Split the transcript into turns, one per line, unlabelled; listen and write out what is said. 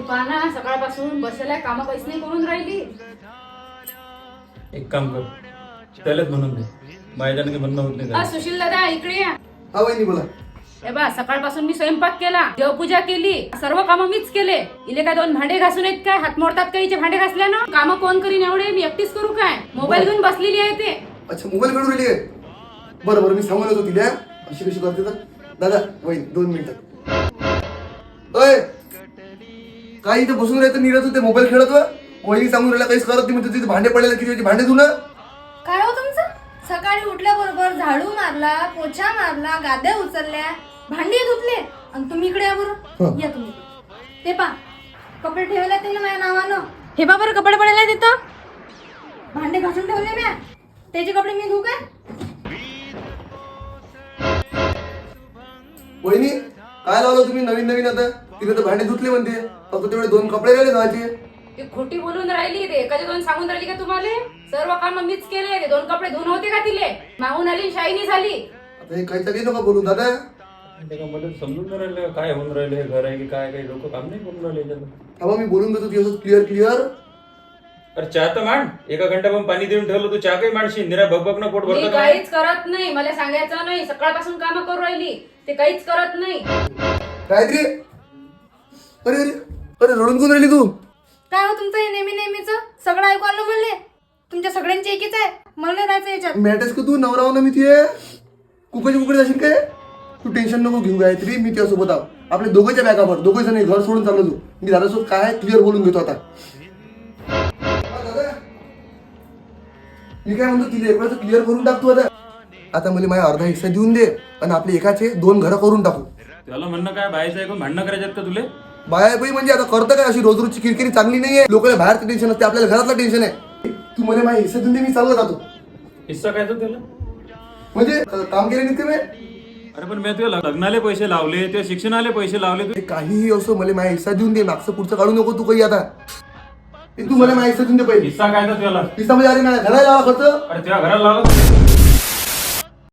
पहा ना, सकाळपासून बसायला काम काहीच नाही करून राहिली.
एक काम कर, त्यालाच म्हणून दे, माझ्याने काही म्हणणं होत नाही त्याला.
सुशील दादा इकडे या.
हा वहिनी बोला.
हे बा, सकाळपासून मी स्वयंपाक केला, देवपूजा केली, सर्व कामं मीच केले. इले काय 2 भांडे घासून येत काय? हात मोडतात का हिचे भांडे घासल्यानं? काम कोण करीन एवढे? मी एकटीच करू काय? मोबाईल घेऊन बसलेली आहे ते.
अच्छा, मोबाईल काढून राहिली आहे. बरं बरं, मी सांगून येतो तिला अशी कशी करते तर. दादा वहिनी 2 मिनिटं. अय, काय इथं बसून राहायचं निरत होते मोबाईल खेळत व वहिनी सांगून राहिला काहीच करत नाही म्हणते. तिथे भांडे पडलेले किती भांडे धुणं.
काय हो तुमचं? सकाळी उठल्याबरोबर झाडू मारला, पोछा मारला, गाद्या उचलल्या, भांडी धुतले आणि तुम्ही इकडे या बरं. या तुम्ही. ते पा, कपडे ठेवले ते ना माझ्या नावानं. हे बा बरं, कपडे पडले तिथं. भांडे घासून ठेवले म्या. त्याचे कपडे मी धुऊ काय?
वहिनी काय लावलं तुम्ही नवीन नवीन? आता तिथे तर भांडे धुतले म्हणते, फक्त तेवढे 2 कपडे राहिले धुवायचे.
ती खोटी बोलून राहिली. ते एकाचे 2 सांगून राहिली का तुम्हाला? सर्व काम मीच केले. ते 2 कपडे धुवून होते का तिले? मागून आली, शाईनी झाली.
आता हे काही तरी नका बोलू दादा.
ते का मला समजून नाही राहिलं काय होऊन राहिले, हे घर आहे की काय? काही लोक काम नाही करून राहिले याच्यात.
तेव्हा मी बोलून देतो ती असं क्लिअर.
अरे चहा तर मांड. एका घंटा पण पाणी देऊन ठेवलं, तू चहा काही मांडशील? निरा बघ ना पोट
मी
भरतं.
काहीच करत नाही. मला सांगायचं नाही. सकाळपासून काम करू राहिली, ते काहीच करत नाही.
काहीतरी. अरे अरे अरे, रडून कोण राहिली तू?
काय हो तुमचं हे नेहमीच सगळं ऐकू आलं म्हणले. तुमच्या सगळ्यांची एकीच आहे, मला नाही राहायचं याच्यात.
मॅटर्स का तू नवरा हो ना मी तिये कुकडे जाशील काय? तू टेन्शन नको घेऊ गायत्री, मी तुझ्यासोबत आहो. आपल्या दोघांच्या बॅगावर 2 जण घर सोडून चाललो तू. मी दादासोबत काय क्लिअर बोलून घेतो आता. मी काय म्हणतो तिला एक वेळेस क्लिअर करून टाकतो आता. आता मला माझा अर्धा हिस्सा देऊन दे आणि आपले एकाचे 2 घरं करून टाकू.
त्याला म्हणणं काय, बाहेरचं ऐकून भांडणं करायच्यात का तुले?
बाय बाई म्हणजे आता करतं काय? अशी रोजची किरकिरी चांगली नाहीये. लोकांना बाहेरचं टेन्शन असते, आपल्याला घरातलं टेन्शन आहे. तू मला माझा हिस्सा देऊन दे, मी चालला जातो.
हिस्सा काय तर त्याला?
म्हणजे काम केले नाही ते मी.
अरे पण मी तुला लग्नाले पैसे लावले, तुझ्या शिक्षणाले पैसे लावले.
ते काहीही असो, मला माझा हिस्सा देऊन दे. मागचं पुढचं काढू नको तू काही आता. तू मला माझा हिस्सा देऊन दे पहिले.
हिस्सा काय तर तुला?
हिस्सा म्हणजे अरे माझ्या घराला लावा खर्च.
अरे तुझ्या घराला लावलं